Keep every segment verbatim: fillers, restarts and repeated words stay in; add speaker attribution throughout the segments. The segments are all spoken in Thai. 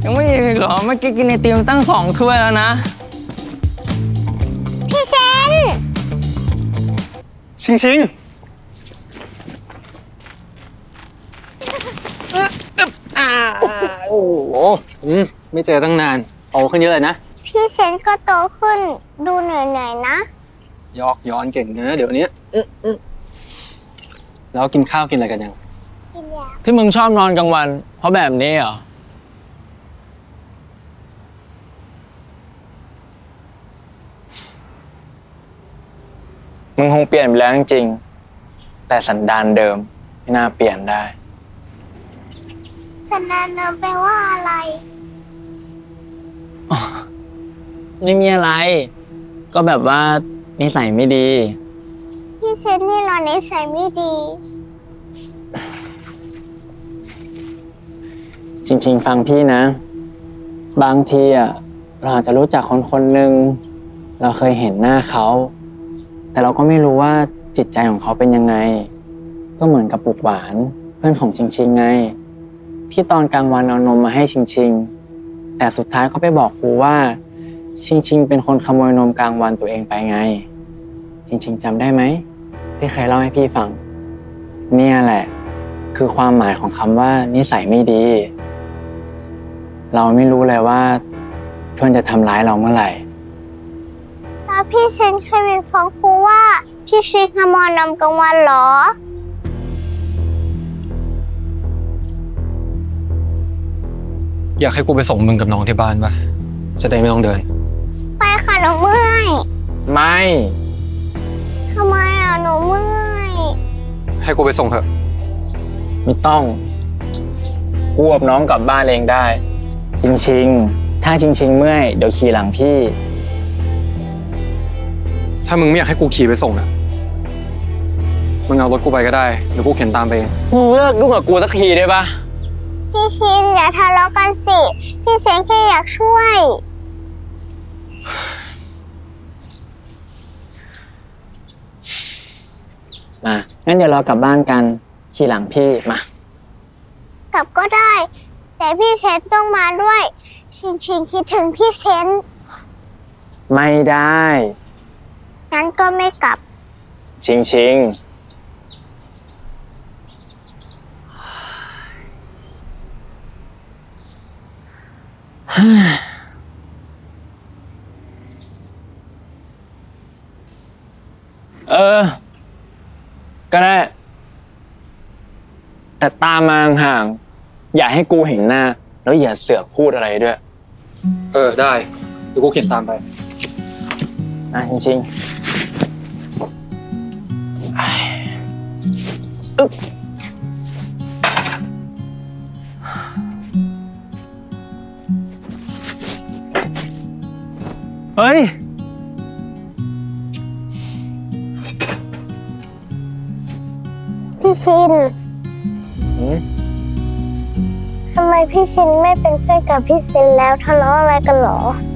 Speaker 1: ยังไม่อิ่มอีกเหรอเมื่อกี้กินไอติมตั้งสองถ้วยแล้วนะ
Speaker 2: พี่เซน
Speaker 3: ชิงชิงอ่าโอ้โหอืมไม่เจอตั้งนานโตขึ้นเยอะเลยนะ
Speaker 2: พี่เซนก็โตขึ้นดูเหนื่อยๆนะ
Speaker 3: ยอกย้อนเก่งนะเดี๋ยวนี้แล้วกินข้าวกินอะไรกันยัง
Speaker 2: กินยา
Speaker 1: ที่มึงชอบนอนกลางวันเพราะแบบนี้เหรอมึงคงเปลี่ยนไปแล้วจริงๆแต่สันดานเดิมไม่น่าเปลี่ยนได้
Speaker 2: สันดานเดิมแปลว่าอะไร
Speaker 1: ไม่มีอะไรก็แบบว่านิสัยไม่ดี
Speaker 2: พี่เซนนี่เรานิสัยไม่ดี
Speaker 1: จริงๆฟังพี่นะบางทีอ่ะเราอาจจะรู้จักคนคนหนึ่งเราเคยเห็นหน้าเขาแต่เราก็ไม่รู้ว่าจิตใจของเขาเป็นยังไงก็เหมือนกับปุกหวานเพื่อนของชิงชิงไงที่ตอนกลางวันเอานมมาให้ชิงชิงแต่สุดท้ายก็ไปบอกครูว่าชิงชิงเป็นคนขโมยนมกลางวันตัวเองไปไงชิงชิงจำได้ไหมที่เคยเล่าให้พี่ฟังเนี่ยแหละคือความหมายของคำว่านิสัยไม่ดีเราไม่รู้เลยว่าเพื่อนจะทำร้ายเราเมื่อไหร่
Speaker 2: แล้วพี่เซนเคยไปฟ้องครูว่าพี่ชิงขโมยนมกลางวันเหรอ
Speaker 3: อยากให้กูไปส่งมึงกับน้องที่บ้านปะจะได้ไม่ต้องเดิน
Speaker 2: ไปค่ะหนูเมื่อย
Speaker 1: ไม่
Speaker 2: ทำไมอ่ะหนูเมื่อย
Speaker 3: ให้กูไปส่งเถอะ
Speaker 1: ไม่ต้องกูกับน้องกลับบ้านเองได้ชิงชิงถ้าชิงชิงเมื่อยเดี๋ยวขี่หลังพี่
Speaker 3: ถ้ามึงไม่อยากให้กูขี่ไปส่งอ่ะมึงเอารถกูไปก็ได้เดี๋ยวกูเข็นตามไปเอง
Speaker 1: มึงเลิกยุ่งกับกูสักทีได้ปะ
Speaker 2: พี่ชินอย่าทะเลาะกันสิพี่เซนแค่อยากช่วย
Speaker 1: มางั้นเดี๋ยวเรากลับบ้านกันขี่หลังพี่มาก
Speaker 2: ลับก็ได้แต่พี่เซนต้องมาด้วยชิงชิงคิดถึงพี่เซน
Speaker 1: ไม่ได้
Speaker 2: งั้นก็ไม่กลับ
Speaker 1: ชิงชิงเออก็ได้แต่ตามมาห่างอย่าให้กูเห็นหน้าแล้วอย่าเสือกพูดอะไรด้วย
Speaker 3: เออได้เดี๋ยวกูเข็นตามไป
Speaker 1: อ่ะจริงๆอึ๊บเฮ้ย
Speaker 2: พี่ชินทำไมพี่ชินไม่เป็นเพื่อนกับพี่เซนแล้วทะเลาะอะไรกันหรอ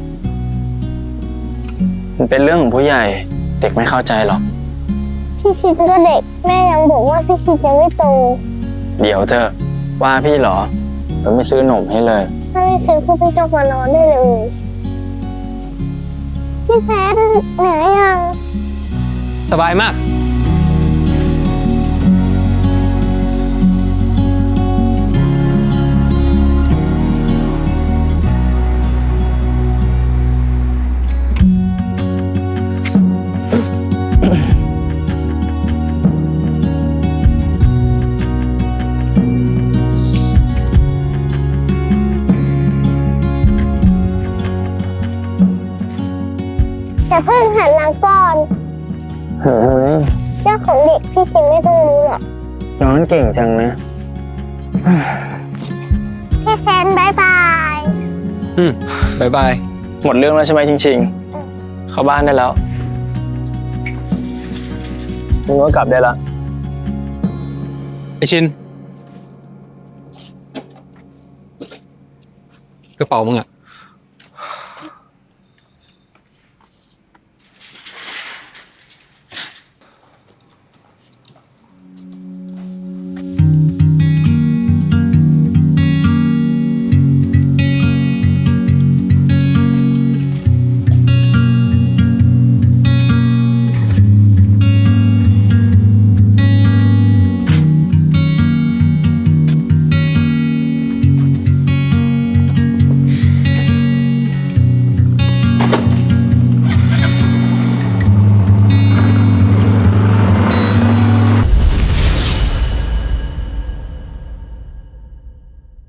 Speaker 1: มันเป็นเรื่องของผู้ใหญ่เด็กไม่เข้าใจหรอก
Speaker 2: พี่ชินก็เด็กแม่ยังบอกว่าพี่ชินยังไม่โต
Speaker 1: เดี๋ยวเธอว่าพี่เหรอเราไม่ซื้อหนมให้เลย
Speaker 2: ถ้าไม่ซื้อพี่เป็นเจ้ามานอนได้เลยพี่แพทเหนื่อยยัง
Speaker 3: สบายมาก
Speaker 2: แต่เพิ่งหันหลังก่อน
Speaker 1: เฮ้ย
Speaker 2: เจ้าของเด็กพี่ชินไม่ต้องรู้หรอก
Speaker 1: ย้อนเก่งจังนะ
Speaker 2: พี่เซนบายบาย
Speaker 3: อืมบายบาย
Speaker 1: หมดเรื่องแล้วใช่ไหมจริงๆเข้าบ้านได้แล้วมึงก็กลับได้ละ
Speaker 3: ไอชินกระเป๋ามึงอะ